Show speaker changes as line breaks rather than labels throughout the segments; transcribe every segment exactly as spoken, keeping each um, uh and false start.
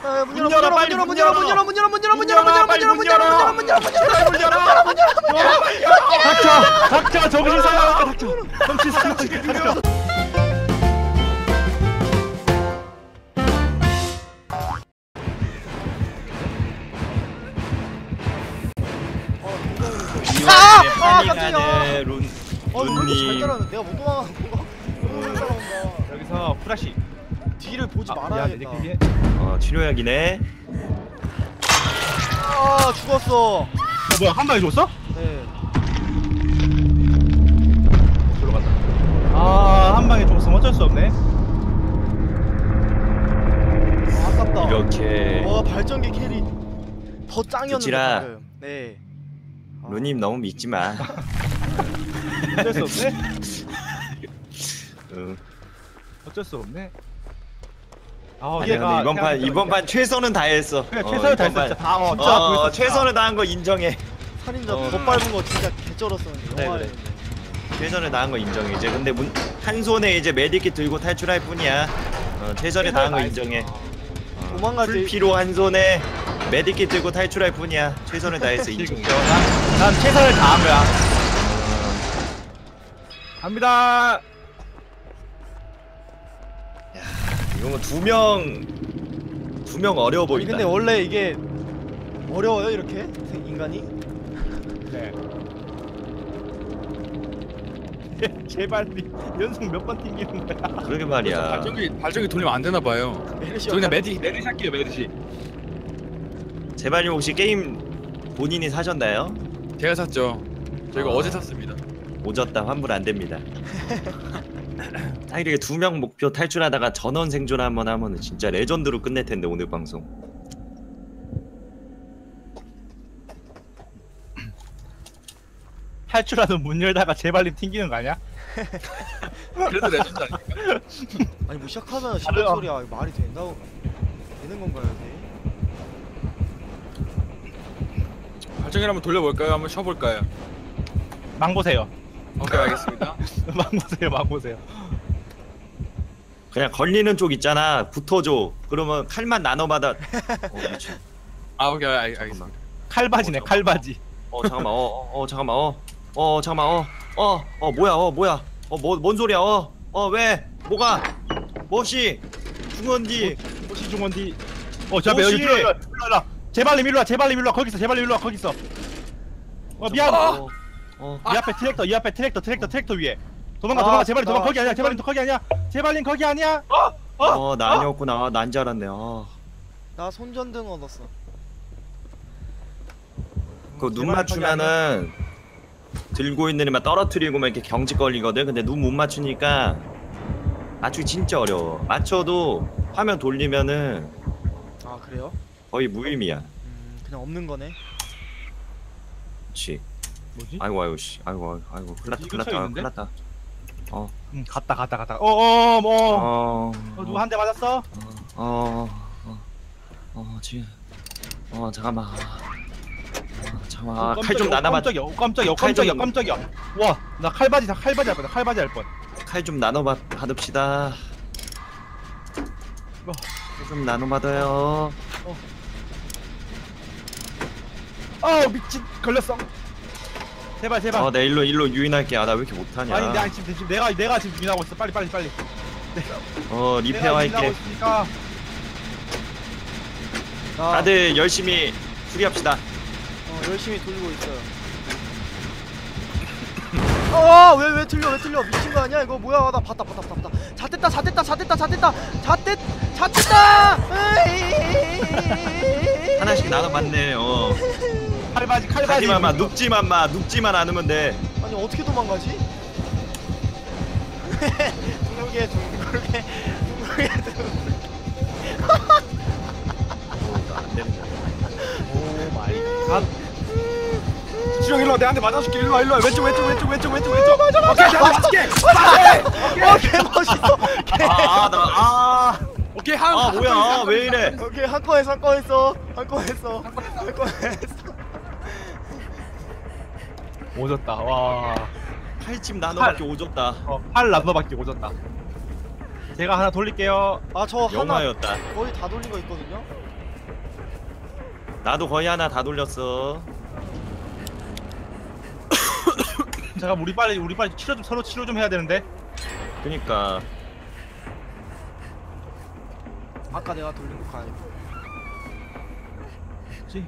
야, 문 열어 문 열어 문 열어 문 열어 문 열어 문 열어 문 열어 문 열어 문 열어 문 열어 문 열어 문 열어 문 열어 문 열어 문 열어 문 열어 문 열어 문 열어.
닥쳐! 닥쳐! 정신 사나워! 닥쳐! 정신 사나워! 닥쳐!
아! 아,
파밍하는 룬
아, 너 왜 이렇게 잘
룬님.
따라하는? 내가 못 도망가는 건가? 너무 잘 따라온다.
여기서 프라시.
뒤를 보지
아,
말아야겠다.
미안해,
어 치료약이네.
아, 죽었어.
어, 뭐야, 한 방에 죽었어?
네.
들어간다. 아, 한 방에 죽었으면 어쩔 수 없네.
아, 아깝다.
이렇게
와, 발전기 캐리 더 짱이었는데
그치라.
방금. 네. 아.
루님 너무 믿지 마.
어쩔 수 없네.
응.
어쩔 수 없네. 아,
아니 근데 이번 판 이번 판 최선은 다했어.
그래,
어,
최선을
이번
다했어.
판-
다 어, 진짜
어,
보였어.
최선을 다한 거 인정해.
살인자
어.
더 밟은 거 진짜 개쩔었었는데.
그래,
영화에.
그래. 최선을 다한 거 인정해. 이제 근데 문, 한 손에 이제 메디킷 들고 탈출할 뿐이야. 어, 최선을 다한 거 인정해. 어,
도망갈 때-
풀피로 한 손에 메디킷 들고 탈출할 뿐이야. 최선을 다했어 인정해.
난, 난 최선을 다한 거야. 갑니다.
이거 두명 두 명 어려워
아니,
보인다.
근데 원래 이게 어려워요 이렇게 인간이?
네. 제발 연속 몇 번 튕기는 거야.
그러게 말이야.
발전기 발전기 돌리면 안 되나 봐요.
메르시
저 그냥 메디 메디시 할게요 메디시.
제발님 혹시 게임 본인이 사셨나요?
제가 샀죠. 저희가
아.
어제 샀습니다.
오졌다 환불 안 됩니다. 딱 이렇게 두 명 목표 탈출하다가 전원 생존 한번 하면은 진짜 레전드로 끝낼 텐데 오늘 방송.
탈출하던 문 열다가 제발님 튕기는 거 아니야?
그래도 레전드 아닙니까?
아니 뭐 시작하면 시작 소리야. 이거 말이 된다고 되는 건가요 이게?
발전기 한번 돌려볼까요? 한번 쉬어볼까요?
망 보세요.
오케이 알겠습니다.
망 보세요. 망 보세요.
그냥 걸리는 쪽 있잖아 붙어줘. 그러면 칼만 나눠받아. 어, 미친.
아 오케이 알, 알겠습니다.
칼바지네.
어,
칼바지.
어 잠깐만. 어, 어, 어 잠깐만. 어, 어 잠깐만. 어, 어, 어 뭐야? 어 뭐야? 어 뭐 뭔 소리야? 어, 어 왜? 뭐가? 뭐시? 중원디.
혹시 중원디. 어, 자,
혹시-
여기 일로 일로 일로. 제발님 일로 와. 제발님 일로 와. 거기 있어. 제발님 일로 와. 거기 있어. 어, 미안.
어, 어.
이 앞에 트랙터. 이 앞에 트랙터. 트랙터. 트랙터 위에. 도망가.
아,
도망가. 제발님 도망가.
나-
거기 아니야. 제발님 거기 아니야. 제발님 거기 아니야.
어, 나 아니었구나. 난 줄 알았네. 어.
나 손전등 얻었어.
그 눈
제발
맞추면은 들고 있는 애만 떨어뜨리고 막 이렇게 경직 걸리거든. 근데 눈 못 맞추니까 맞추기 진짜 어려워. 맞춰도 화면 돌리면은
아 그래요?
거의 무의미야.
음 그냥 없는 거네.
그렇지.
뭐지?
아이고 아이고 씨. 아이고 아이고 아이고. 큰일 났다.
이거
큰일 났다.
쳐 있는데?
큰일 났다. 어.
음, 갔다 갔다 갔다. 어, 어, 뭐.
어.
어, 누구 한 대 맞았어?
어. 어. 어. 어, 지금. 어, 잠깐만. 어, 잠깐만. 아, 칼 좀 나눠봐.
깜짝이야. 어, 깜짝이야. 어,
칼
깜짝이야.
좀-
깜짝이야. 와, 나 칼바지 칼바지 할 뻔. 칼바지 할 뻔.
칼 좀 나눠 받 받읍시다.
어.
칼 좀 나눠 받아요.
아, 미친. 걸렸어. 제발 제발.
어, 내 일로 일로 유인할게. 아, 나 왜 이렇게 못하냐.
아니, 내가 지금 지금 내가 내가 지금 유인하고 있어. 빨리 빨리 빨리.
어,
내가
리페어
유인하고
할게.
있으니까.
나
다들 열심히 수리합시다.
어, 열심히 돌리고 있어요. 아왜 왜 틀려 왜 틀려 미친 거 아니야 이거 뭐야 나 봤다 봤다 봤다 봤다 잣됐다 잣됐다 잣됐다 잣됐다 잣됐 잣됐다
하나씩 나눠 받네. 어.
칼바지 칼바지.
하지만 마 눕지만 마 눕지만 않으면 돼.
아니 어떻게 도망가지? 둥글게 둥글게 둥글게 둥글게
어, 안 되는 거야.
오 마이 갓.
수정 일로 와. 내가 한 대 맞아줄게. 일로 와 일로 와. 왼쪽 왼쪽 왼쪽 왼쪽 왼쪽 왼쪽.
맞아 맞아
오케이 내가 맞아줄게.
어 개멋있어 개
아, 나 아.
오케이 한.
아,
한
뭐야?
건 있어,
왜 이래?
오케이 한 건에 한 건 했어 한 건 했어 한 건 했어
오졌다. 와.
칼집 나눠밖에 오졌다.
어, 팔 나눠밖에 오졌다. 제가 하나 돌릴게요.
아 저 하나
영화였다.
거의 다 돌린 거 있거든요
나도 거의 하나 다 돌렸어.
잠깐 우리 빨리 우리 빨리 치료 좀 서로 치료 좀 해야 되는데.
그니까
아까 내가 돌린 거 아니야?
그렇지.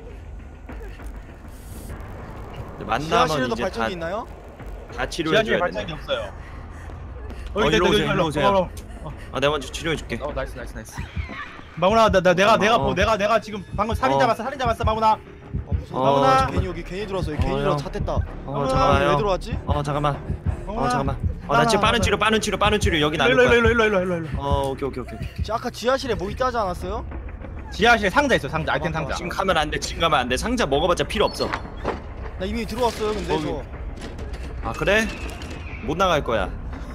만나면
지하실에도
이제
발전기
다,
있나요?
다 치료해
지하실에
줘야
발전기
돼.
없어요.
어,
있다,
일로
있다,
오세요, 일로 오세요.
어, 어,
아, 내가 먼저 치료해 줄게.
어, 나이스 나이스 나이스. 마무나 나, 나 내가
어.
내가 보 내가 내가 지금 방금 살인
어.
잡았어 살인 잡았어 마무나.
어 무서워.
어,
나
잠깐-
괜히 여기 괜히 들어왔어. 여기 괜히
어,
들어
형.
차 뗐다.
어,
왜
잠깐만요.
들어왔지?
어, 잠깐만. 어,
마무나.
잠깐만. 어, 나 지금 빠른 치료, 빠른 치료, 빠른 치료 여기 나눌
일로 일로
거야.
일로 일로 일로 일로 일로.
어, 오케이, 오케이, 오케이. 오케이.
지- 아까 지하실에 뭐 있다 하지 않았어요?
지하실에 상자 있어 상자 아이템
맞다,
상자.
지금 가면 안 돼. 지금 가면 안 돼. 상자 먹어봤자 필요 없어.
나 이미 들어왔어요. 근데
거기.
저
아, 그래? 못 나갈 거야.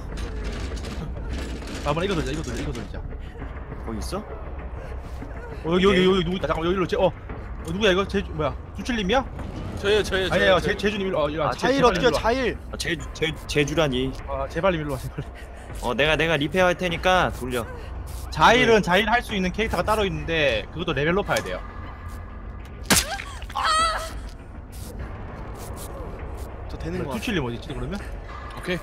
마무나 이거 돌자 이거 돌자 이거 돌자.
거기 있어?
어, 여기 여기 여기 누구 있다 잠깐 여기로 제 어. 어 누구야 이거 제 뭐야 주출님이야?
저예요 저예요
아니에요
저예요.
제 제주님 일로 어 일로 와.
아,
제-
자일
제발
어떻게
일로 와.
자일?
아, 제, 제, 제주라니.
아 제발님 일로 와 제발.
어, 내가 내가 리페어 할 테니까 돌려.
자일은 자일 할 수 있는 캐릭터가 따로 있는데 그것도 레벨 높아야 돼요.
저 되는 거 같아.
주출님 어디 있지 그러면?
오케이.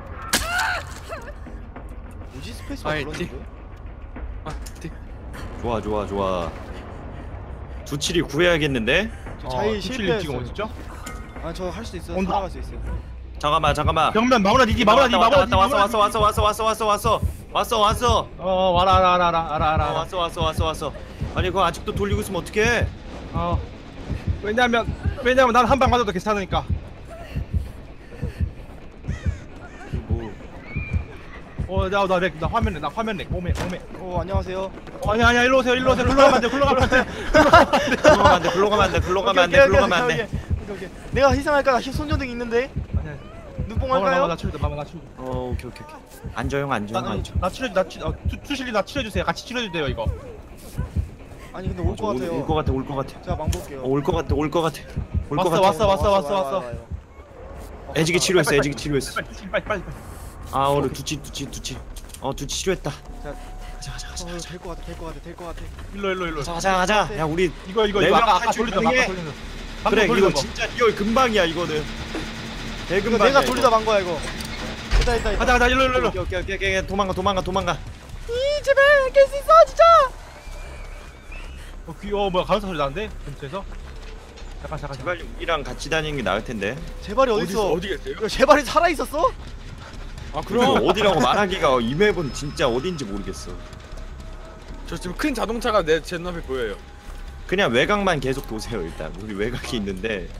뭐지 스페이스바
아이,
눌렀는데?
아, 틱.
좋아, 좋아, 좋아. 두칠이 구해야겠는데?
저 자일
주출님 지금
실패했어요.
어디 있죠?
아저 할 수 있어요.
온다.
살아갈 수 있어요.
잠깐만, 잠깐만.
병면 마무나 니디 마무나 니
왔다,
마무나 니
왔다, 왔어, 왔어, 왔어, 왔어, 왔어, 왔어, 왔어, 왔어, 왔어.
어 와라 알아 알아 알아 알아
어,
알아.
왔어, 왔어, 왔어, 왔어. 아니, 그거 아직도 돌리고 있으면 어떡해?
어 왜냐면 왜냐면 난 한 방 맞아도 괜찮으니까.
뭐,
어나나 나, 나 화면에 나 화면에 오메 오메.
어 안녕하세요.
어, 아니 아니야 일로 오세요 일로 오세요 글로 가면 안 돼 글로 가면 안 돼.
글로 가면 안 돼, 글로 가면 안 돼, 글로 가면 안 돼, 글로 가면 안 돼.
오케이, 오케이. 내가 희생할까? 나 손전등 있는데.
아니야.
눈뽕
마무나
할까요?
나 치료 마무나 나 치료.
어, 오케이, 오케이, 오케이. 앉아, 형, 앉아, 형, 앉아.
나 치료 나 치료 어, 투- 투실리 나 치료해 주세요 같이 치료해 주세요 이거.
아니 근데 올 것 같아요.
올 것 같아, 올 것 같아.
제가 망 볼게요.
어, 올 것 같아, 올 것 같아. 올
왔어,
것 같아.
왔어, 왔어, 왔어,
와요,
왔어.
와요. 어,
애지기
갔다
치료했어,
빨리,
애지기
빨리,
치료했어.
빨리 빨리 빨리 빨리 빨리.
아, 오늘 두치, 두치, 두치. 어, 두치 치료했다.
자,
가자, 가자, 가자.
어, 될것 같아, 될것 같아, 될것 같아.
일로 일로 일로.
가자, 가자, 가자. 야, 우리
이거 이거
네
이거
명
아까 아까
탈출
돌리던 거, 아까
가능해?
돌리던 거.
그래,
방금
이거
돌리던 거.
진짜 이거 금방이야, 이거는.
이거
대금방이야.
내가
이거.
돌리다 만 거야 이거. 있다, 있다, 있다.
가자 가자 일로 일로 일로.
오케이, 오케이, 오케이, 오케이. 도망가, 도망가, 도망가.
이 제발 깰 수 있어 진짜.
어, 귀, 어 뭐야 가는 소리 나는데 근처에서. 잠깐 잠깐. 잠깐.
제발 우리랑 같이 다니는 게 나을 텐데.
제발이 어디 있어?
어디 계세요?
이거 제발이 살아 있었어?
아
그럼
그럼
어디라고 말하기가 이 맵은 진짜 어딘지 모르겠어.
저 지금 큰 자동차가 내 제 눈앞에 보여요.
그냥 외곽만 계속 도세요 일단. 우리 외곽이 있는데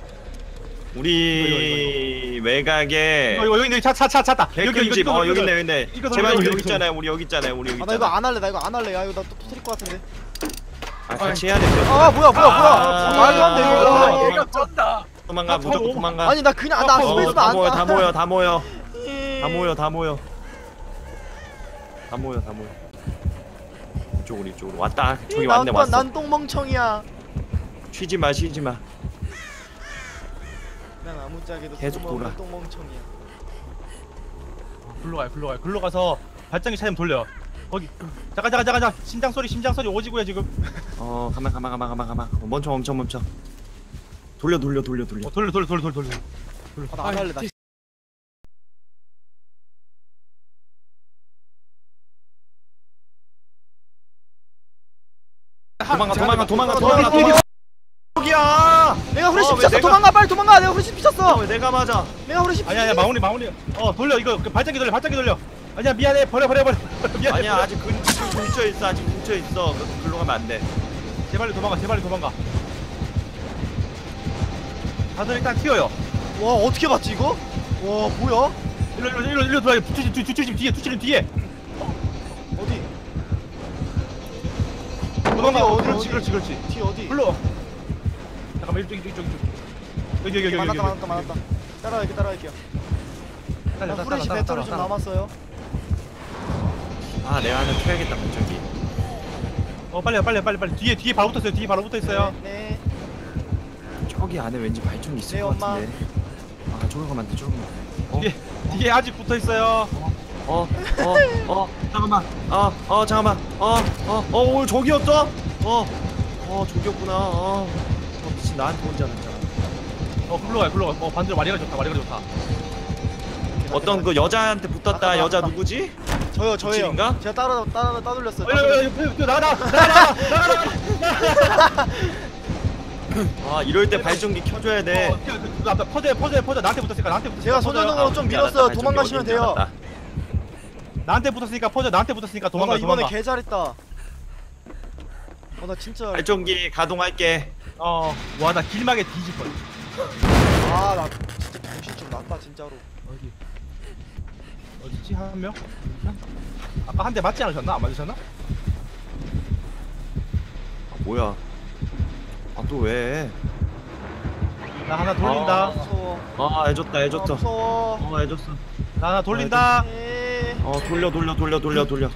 우리 외곽에
이거 이거 여기 있네 차차차 찾다.
개꿀집. 어 여기 있네 여기 있네.
이거
제발
여기,
여기
여기,
있잖아요. 우리 여기 있잖아요. 우리 여기
아 나 이거
있잖아.
안 할래, 나 이거 안 할래. 야 이거 나 또 터뜨릴 것 같은데.
아 같이 해야 돼.
아 뭐야 뭐야 뭐야.
아,
말도 안 돼
아,
이거.
아,
얘가 쩐다.
도망가
아,
무조건
바로.
도망가.
아니 나 그냥 나
어,
어,
스페이스바
다
안.
모여 다 모여 다 모여
이-
다 모여 다 모여 다 모여 다 모여. 이쪽으로 이쪽으로 왔다. 저기
난
왔네
또-
왔어.
난 똥멍청이야.
쉬지 마 쉬지 마.
난 아무짝에도
계속
똥멍-
돌아.
똥멍청이야.
글로 가요 글로 가요 글로 가서 발전기 차좀 돌려. 거기 잠깐 잠깐 잠깐 잠깐 심장 소리 심장 소리 오지구야 지금.
어 가만 가만 가만 가만 가만. 어, 멈춰 멈춰 멈춰. 돌려 돌려 돌려 돌려.
어 돌려 돌려 돌려 돌려 돌려.
아, 나 안 할래 나.
도망가 도망가 도망가
도망가,
도망가. 여기야.
내가 후레쉬
어, 왜
미쳤어.
내가-
도망가 빨리 도망가. 내가 후레쉬
아,
미쳤어.
왜 내가 맞아?
내가 후레쉬 미쳤어.
아니야 아니야 마무리 마무리. 어 돌려 이거 그 발전기 돌려 발전기 돌려. 아니야 미안해 버려 버려 버려. 미안해.
아니야 아직 근, 지금 근처에 있어 아직 근처에 있어. 그- 글로 가면 안 돼.
제발 도망가 제발 도망가. 다들 일단 튀어요.
와 어떻게 봤지 이거? 와 뭐야?
일로 일로 일로 일로 들어가. 투출님 투출님 뒤에 투출님 뒤에.
어디?
도망가.
어디,
그렇지
어디?
그렇지 그렇지.
뒤 어디?
불러. 잠깐만 이쪽 이쪽 이쪽 이쪽. 여기 여기 여기 여기.
많았다
여기.
많았다 많았다. 따라갈게 따라갈게요.
따라,
나
따라,
후레쉬
따라,
배터리
따라,
좀
따라.
남았어요.
아 내가 하나 켜야겠다 갑자기.
어 빨리 빨리 빨리 빨리 뒤에 뒤에 바로 붙었어요. 뒤에 바로 붙어 있어요.
네.
저기 안에 왠지 발전기 있을
네,
것
엄마.
같은데. 아 저기 가면 안 돼. 저기 가면 안 돼. 어?
뒤에 뒤에 아직 붙어 있어요.
어? 어? 어? 잠깐만. 어? 어 잠깐만. 어? 어? 어? 오 저기였어? 어? 어 저기였구나. 어, 어 미친 나한테 혼자 났잖아.
어 글로 가 글로 가. 어 반대로 마리가 좋다 마리가 좋다.
어떤 그 여자한테 붙었다.
맞다,
여자
맞다.
누구지?
저요 저예요.
지인가?
제가 따라 따라 따돌렸어요.
나가 나가 나가 나가.
아 이럴 때 발전기 켜줘야 돼.
어, 그 앞에 퍼져 퍼져 퍼져 나한테 붙었으니까 나한테 붙었으니까
제가
퍼져요.
손전등으로 좀 밀었어요. 도망가시면 돼요.
나한테 붙었으니까 퍼져 나한테 붙었으니까
어, 나
도망가
이번에
도망가.
개 잘했다. 어 나 진짜.
발전기 가동할게.
어와 나 길막에 뒤질 뻔.
아나 진짜 정신 좀 났다 진짜로.
어디 어디지 한 명? 아까 한 대 맞지 않으셨나? 안 맞으셨나?
아 뭐야? 아 또 왜?
나 하나 돌린다.
아.
무서워.
아 해줬다
아,
해줬어.
무서워.
어 해줬어.
나 하나 돌린다.
에이.
어 돌려 돌려 돌려 돌려 돌려.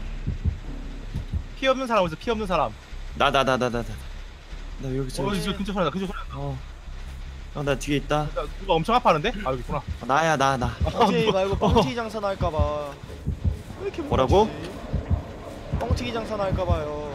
피 없는 사람 어디서 피 없는 사람.
나 나 나 나 나 나. 나 여기 있어.
어 여기 근처 소리나 근처 소리나.
어. 어, 나 뒤에 있다.
나 누가 엄청 아파하는데? 아 여기 있구나.
아, 나야 나 나.
뻥튀기 말고 뻥튀기 장사 날까봐. 왜 이렇게
뭐라고?
무섭지? 뻥튀기 장사 날까봐요.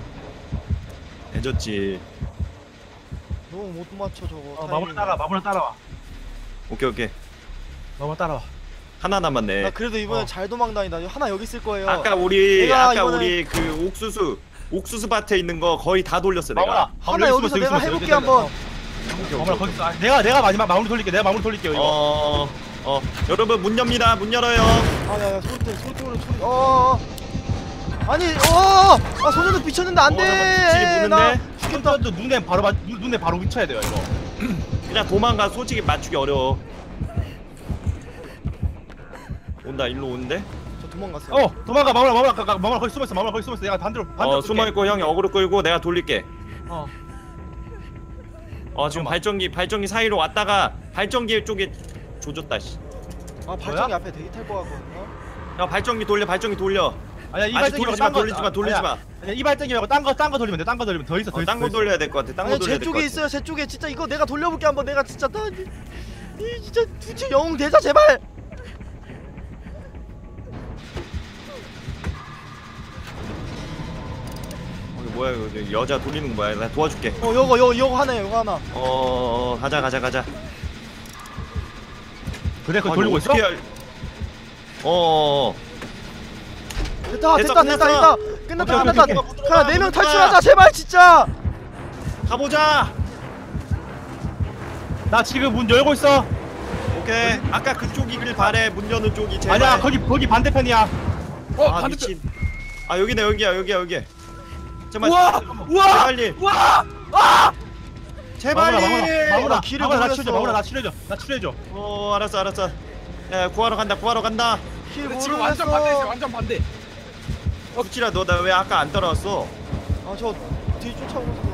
해줬지.
너무 못 맞춰 저거.
어
타이밍.
마무리 따라 마무리 따라와.
오케이 오케이.
마무리 따라와.
하나 남았네.
나 그래도 이번에
어.
잘 도망다니다. 하나 여기 있을 거예요.
아까 우리
내가
아까
이번에-
우리 그 옥수수 옥수수 밭에 있는 거 거의 다 돌렸어
마무라.
내가.
하나 여기서 내가 해볼게 한번.
마무라 거기 있어. 아, 내가 내가 마지막 마무리 돌릴게. 내가 마무리 돌릴게요 이거.
어, 어, 여러분 문 엽니다. 문 열어요.
아야야 소리 때문에 소리 때문에 소리. 어. 어. 아니 어. 아 손전등 비쳤는데
어,
안
잠깐만, 빛이
돼. 나
무는데?
죽겠다.
또 눈에 바로 맞 눈- 눈에 바로 미쳐야 돼요 이거.
그냥 도망가. 솔직히 맞추기 어려워. 온다. 일로 오는데?
저 도망갔어요.
어 도망가 마무라 마무라 가, 가, 마무라 거기 숨어 있어. 마무라 거기 숨어 있어. 내가 반대로 반대로
어, 숨어 있고 형이 어그로 끌고 내가 돌릴게.
어.
어, 지금
잠깐만.
발전기 발전기 사이로 왔다가 발전기 쪽에 조졌다 씨.
아 발전기 앞에 대기 탈 거 같거든요.
야, 발전기 돌려. 발전기 돌려.
아니야 이
아직
발전기
돌리지
말고
마,
딴 거-
돌리지 마, 돌리지
아니야.
마.
아니야 이 발전기 말고 딴 거 딴 거 돌리면 돼. 딴 거 돌리면 더 있어 더
어,
있어.
딴 거
더 있어.
돌려야 될 것 같아. 딴 거
아니
돌려야
제
될 것
쪽에
같아.
있어요. 제 쪽에 진짜 이거 내가 돌려볼게 한번. 내가 진짜 나 이, 이 진짜 두째 영웅 대사 제발.
어, 이거 뭐야 이거 여자 돌리는 거 뭐야? 나 도와줄게.
어 요거 요거 요거 하나요. 요거 하나.
어, 어, 어 가자 가자 가자.
그래 그거
아니,
돌리고 있어?
어떻게 할- 어, 어.
됐다
됐어,
됐다 됐다
끝났어.
됐다. 끝났다
오케이,
끝났다.
오케이,
오케이.
가라 네 명
들어가.
탈출하자 제발 진짜.
가보자.
나 지금 문 열고 있어.
오케이. 아까 그쪽이길 바래. 문 여는 쪽이 제발.
아니야 거기 거기 반대편이야.
어
아
반대편.
미친. 아 여기네 여기야 여기야 여기. 제발.
우와 우와
빨리.
우와 아
제발.
마무라 마무라 마무라
길을
마무라 나
모르겠어.
치료줘. 마무라 나 치료줘. 나 치료줘.
어 알았어 알았어. 야 구하러 간다 구하러 간다.
길
근데 지금 완전 반대지
모르겠어.
완전 반대.
어 구치라 너 나 왜 아까 안 따라왔어?
아저 뒤 쫓아오고 있어.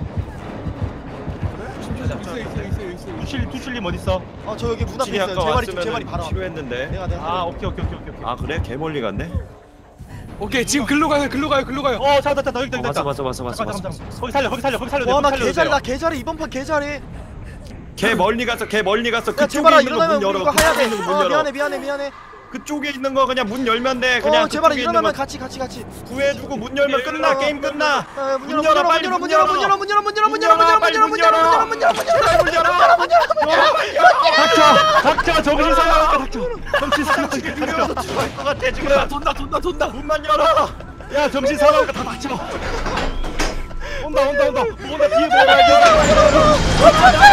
있어 있어 있어 있어.
두실 두실님 어디 있어?
아저 여기 문 앞에
구칠이
있어요.
아까
제 말이 좀 제 말이
왔으면
바로. 앞.
필요했는데.
내가 내가.
아 오케이 오케이 오케이 오케이.
아 그래? 개 멀리 갔네.
오케이 지금 글로 가요 글로 가요 글로 가요.
어 잠깐 잠깐 여기 있다
어,
여기 있다.
봤어 봤어 봤어 봤어
잠깐
봤어.
잠깐 잠깐. 거기 살려 거기 살려 거기 살려.
와나
거기 살려도
개잘
돼요.
나 개잘해 이번 판 개잘해.
개 멀리 갔어 개 멀리 갔어.
야
그쪽에
제발아
있는 거
일어나면
문
우리
열어.
이거 해야 돼.
그쪽에 있는 거문
어
열어.
미안해 미안해 미안해.
그쪽에 있는 거 그냥 문 열면 돼. 그냥
어 제발아
그쪽에 있는
일어나면
거
같이 같이 같이.
구해주고 문 열면 끝나.
어,
게임 끝나.
아, 문
문
열어
열어,
문
빨리
열어
문
문 열어 문 열어 문 열어 문 열어 문 열어 문 열어 문 열어 문 열어 문 열어 문 열어 문 열어 문 열어 문 열어.
닥쳐 닥쳐 정신 사나워 닥쳐. 정신 사나워 닥쳐.
죽을 것 같아 지금.
돈다 돈다 돈다.
문만 열어.
야 정신 사나워 다 닥쳐. 온다 온다 온다 온다 뒤에 뭐야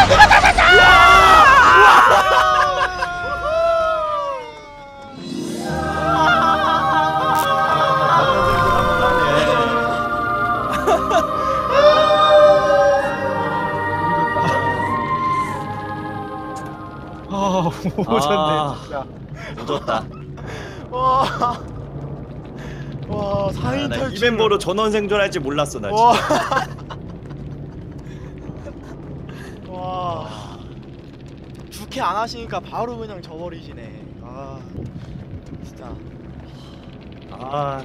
아 오졌네 진짜.
오졌다.
와. 와 사 인
아, 나이
탈출.
멤버로 전원 생존할지 몰랐어 나
와.
진짜.
와. 주캐 안 하시니까 바로 그냥 져버리시네. 아. 진짜.
아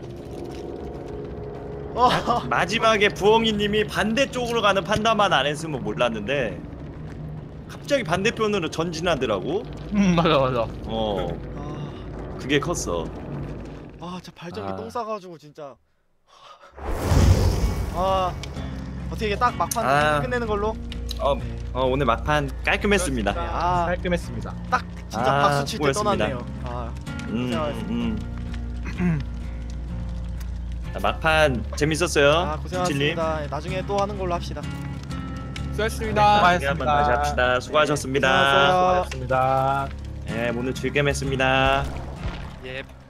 와.
마지막에 부엉이님이 반대쪽으로 가는 판단만 안 했으면 몰랐는데 갑자기 반대편으로 전진하더라고.
음 맞아 맞아.
어
아.
그게 컸어.
아, 저 발전기
아.
똥 싸가지고 진짜. 아, 어떻게 딱 막판
아.
끝내는 걸로.
어, 어 오늘 막판 깔끔했습니다.
아,
깔끔했습니다.
딱 진짜
아,
박수 칠 때
수고했습니다.
떠났네요. 아,
음,
고생하셨습니다.
음. 자, 막판 재밌었어요.
아
칠님.
고생하셨습니다. 나중에 또 하는 걸로 합시다.
수고하셨습니다.
나중에 한번 다시 합시다. 수고하셨습니다.
고생하셨어요.
수고하셨습니다.
네, 오늘 즐겜했습니다.
예.